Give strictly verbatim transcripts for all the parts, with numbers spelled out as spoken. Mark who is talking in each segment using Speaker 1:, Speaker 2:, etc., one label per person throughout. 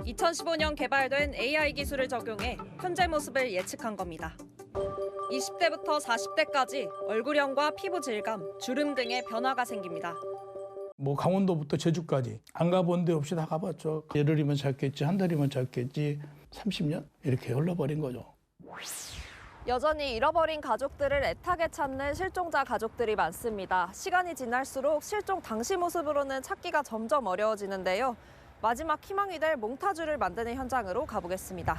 Speaker 1: 이천십오 년 개발된 에이아이 기술을 적용해 현재 모습을 예측한 겁니다. 이십 대부터 사십 대까지 얼굴형과 피부 질감, 주름 등의 변화가 생깁니다.
Speaker 2: 뭐 강원도부터 제주까지 안 가본 데 없이 다 가봤죠. 열흘이면 짧겠지, 한 달이면 짧겠지, 삼십 년 이렇게 흘러버린 거죠.
Speaker 1: 여전히 잃어버린 가족들을 애타게 찾는 실종자 가족들이 많습니다. 시간이 지날수록 실종 당시 모습으로는 찾기가 점점 어려워지는데요. 마지막 희망이 될 몽타주를 만드는 현장으로 가보겠습니다.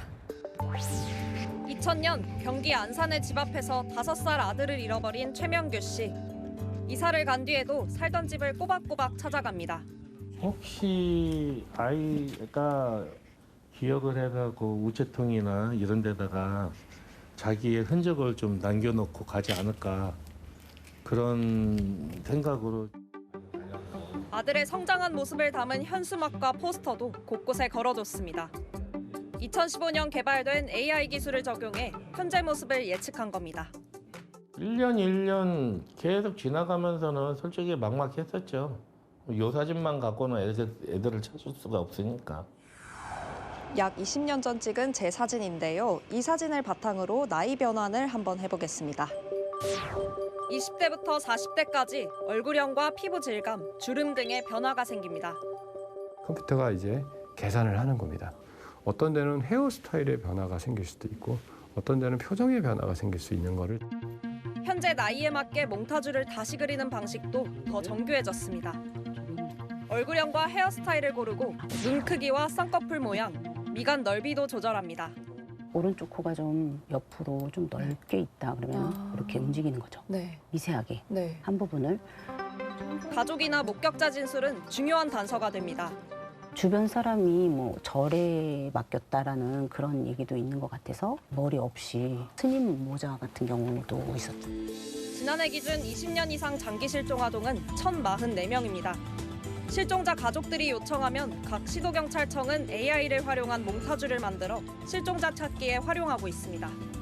Speaker 1: 이천 년 경기 안산의 집 앞에서 다섯 살 아들을 잃어버린 최명규 씨. 이사를 간 뒤에도 살던 집을 꼬박꼬박 찾아갑니다.
Speaker 3: 혹시 아이가 기억을 해가고 우체통이나 이런 데다가 자기의 흔적을 좀 남겨놓고 가지 않을까 그런 생각으로.
Speaker 1: 아들의 성장한 모습을 담은 현수막과 포스터도 곳곳에 걸어뒀습니다. 이천십오 년 개발된 에이아이 기술을 적용해 현재 모습을 예측한 겁니다.
Speaker 3: 일 년, 일 년 계속 지나가면서는 솔직히 막막했었죠. 요 사진만 갖고는 애들, 애들을 찾을 수가 없으니까.
Speaker 1: 약 이십 년 전 찍은 제 사진인데요. 이 사진을 바탕으로 나이 변환을 한번 해보겠습니다. 이십 대부터 사십 대까지 얼굴형과 피부 질감, 주름 등의 변화가 생깁니다.
Speaker 4: 컴퓨터가 이제 계산을 하는 겁니다. 어떤 데는 헤어스타일의 변화가 생길 수도 있고 어떤 데는 표정의 변화가 생길 수 있는 거를.
Speaker 1: 현재 나이에 맞게 몽타주를 다시 그리는 방식도 더 정교해졌습니다. 얼굴형과 헤어스타일을 고르고 눈 크기와 쌍꺼풀 모양, 미간 넓이도 조절합니다.
Speaker 5: 오른쪽 코가 좀 옆으로 좀 넓게 있다 그러면
Speaker 1: 아.
Speaker 5: 이렇게 움직이는 거죠.
Speaker 1: 네.
Speaker 5: 미세하게
Speaker 1: 네.
Speaker 5: 한 부분을.
Speaker 1: 가족이나 목격자 진술은 중요한 단서가 됩니다.
Speaker 5: 주변 사람이 뭐 절에 맡겼다라는 그런 얘기도 있는 것 같아서 머리 없이 스님 모자 같은 경우도 있었죠.
Speaker 1: 지난해 기준 이십 년 이상 장기 실종 아동은 천사십사 명입니다. 실종자 가족들이 요청하면 각 시도경찰청은 에이아이를 활용한 몽타주를 만들어 실종자 찾기에 활용하고 있습니다.